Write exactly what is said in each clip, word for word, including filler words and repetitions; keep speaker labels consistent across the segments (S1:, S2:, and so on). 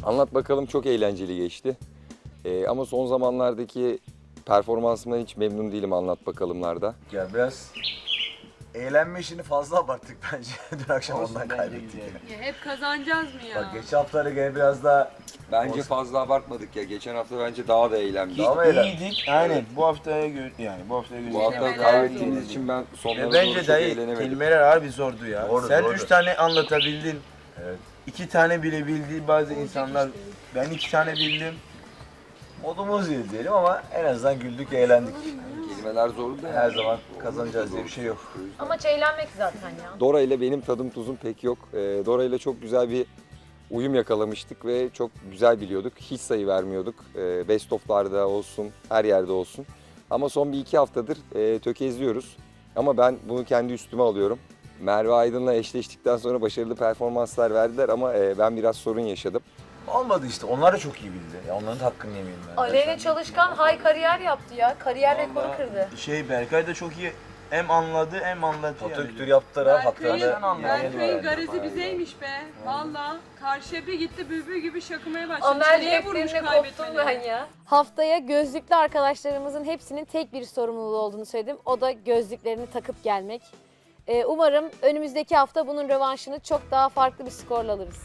S1: Anlat bakalım çok eğlenceli geçti. Ee, ama son zamanlardaki performansımdan hiç memnun değilim anlat bakalımlarda.
S2: Ya biraz eğlenme işini fazla abarttık bence. Dün akşam
S3: Olsun,
S2: ondan
S3: bence
S2: kaybettik.
S3: güzel.
S2: Yani.
S4: Ya hep kazanacağız mı ya?
S2: Bak geçen haftalara göre biraz daha
S1: Bence
S2: Olsun.
S1: fazla abartmadık ya. Geçen hafta bence daha da eğlendik.
S2: Daha mı eğlendik?
S3: İyiydik. Aynen. Bu haftaya göre yani bu haftaya göre.
S1: Bu hafta
S4: Kelimeler
S1: kaybettiğimiz
S4: zor.
S1: için ben sonlara
S3: Ve
S1: doğru
S3: bence
S1: çok
S3: dayı
S1: eğlenemedim.
S3: kelimeler harbi zordu ya.
S2: Doğru,
S3: Sen
S2: doğru.
S3: üç tane anlatabildin.
S2: Evet.
S3: İki tane bile bildiği bazı
S4: Olacak
S3: insanlar.
S4: işte.
S3: Ben iki tane bildim.
S2: Modumuz iyi diyelim ama en azından güldük, eğlendik.
S1: Kelimeler zordu da
S2: Her zaman kazanacağız diye bir şey yok.
S5: Amaç eğlenmek zaten ya.
S1: Dora ile benim tadım tuzum pek yok. Ee, Dora ile çok güzel bir uyum yakalamıştık ve çok güzel biliyorduk. Hiç sayı vermiyorduk. Ee, best of'larda olsun, her yerde olsun. Ama son bir iki haftadır e, tökezliyoruz. Ama ben bunu kendi üstüme alıyorum. Merve Aydın'la eşleştikten sonra başarılı performanslar verdiler ama e, ben biraz sorun yaşadım.
S2: Olmadı işte. Onlar da çok iyi bildi. Ya onların da hakkını yemeyelim ben.
S5: Aleyna Çalışkan high kariyer yaptı ya. Kariyer rekoru
S3: Vallahi
S5: kırdı.
S3: Şey Berkay da çok iyi hem anladı hem anlatıyor.
S2: Foto
S3: yani.
S2: kültürü yaptılar ha.
S4: Berkay'ın,
S2: Haklarını
S3: anladım.
S4: Berkay'ın garezi bizeymiş be. Valla karşıya bir gitti bülbül gibi şakımaya başladı.
S5: Amel
S4: Çeneye vurmuş
S5: defterine koptum ben
S4: kaybetmeli.
S5: ya.
S6: Haftaya gözlüklü arkadaşlarımızın hepsinin tek bir sorumluluğu olduğunu söyledim. O da gözlüklerini takıp gelmek. Ee, umarım önümüzdeki hafta bunun rövanşını çok daha farklı bir skorla alırız.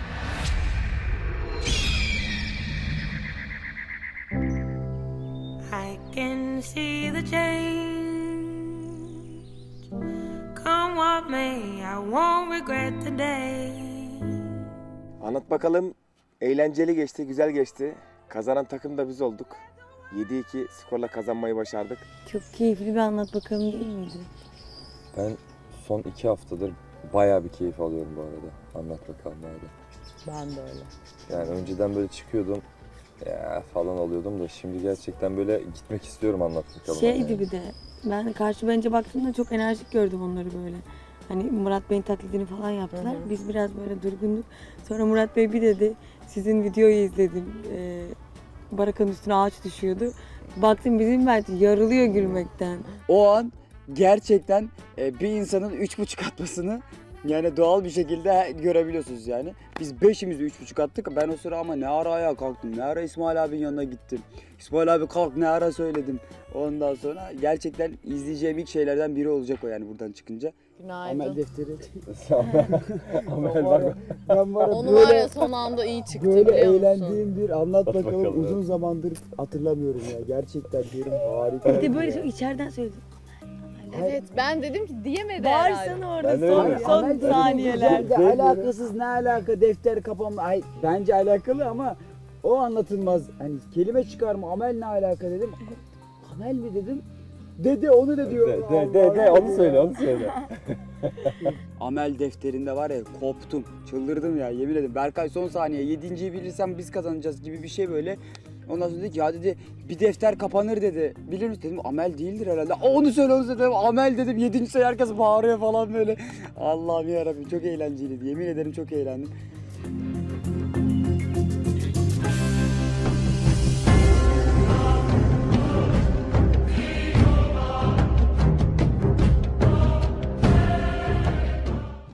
S7: I can see the change. Come what may, I won't regret the day.
S8: Anlat bakalım. Eğlenceli geçti, güzel geçti. Kazanan takım da biz olduk. yedi iki skorla kazanmayı başardık.
S9: Çok keyifli bir anlat bakalım değil miydi?
S1: Ben son iki haftadır bayağı bir keyif alıyorum bu arada. Anlat bakalım abi.
S9: Ben de öyle.
S1: Yani önceden böyle çıkıyordum ya falan oluyordum da şimdi gerçekten böyle gitmek istiyorum anlat bakalım.
S9: Şeydi bir de ben karşı bence baktığımda çok enerjik gördüm onları böyle. Hani Murat Bey'in taklidini falan yaptılar. Biz biraz böyle durgunduk. Sonra Murat Bey bir dedi sizin videoyu izledim. Ee, barakanın üstüne ağaç düşüyordu. Baktım bizim Mert yarılıyor gülmekten.
S10: O an gerçekten e, bir insanın üç buçuk atmasını yani doğal bir şekilde görebiliyorsunuz yani. Biz beşimiz de üç buçuk attık. Ben o sıra ama ne ara ayağa kalktım, ne ara İsmail abinin yanına gittim. İsmail abi kalk ne ara söyledim. Ondan sonra gerçekten izleyeceğim ilk şeylerden biri olacak o yani buradan çıkınca.
S9: Günaydın.
S10: Amel defteri.
S1: Amel bak.
S10: Ben var ya
S9: Onu var ya son anda iyi çıktı biliyor musun?
S10: bir anlat
S1: bakalım,
S10: bakalım uzun
S1: evet.
S10: zamandır hatırlamıyorum ya. Gerçekten derim harika.
S9: Bir de böyle çok içeriden söyledim.
S6: Evet ben dedim ki diyemedi
S9: Bağırsana orada
S1: Ben de
S9: son,
S1: öyle.
S9: son saniyeler.
S10: De, alakasız ne alaka defter kapama ay bence alakalı ama o anlatılmaz. Hani kelime çıkarma amel ne alaka dedim. Amel mi dedim? Dede onu da diyor.
S1: De, de, de, onu söyle onu söyle.
S10: Amel defterinde var ya koptum. Çıldırdım ya yemin ederim. Berkay son saniye yedinciyi bilirsem biz kazanacağız gibi bir şey böyle. Ondan sonra dedi ki ya dedi bir defter kapanır dedi. Bilir misin dedim amel değildir herhalde. Aa, onu söyle onu söyle dedim. Amel dedim yedinci sayı herkes bağırıyor falan böyle. Allah'ım yarabbim çok eğlenceliydi. Yemin ederim çok eğlendim.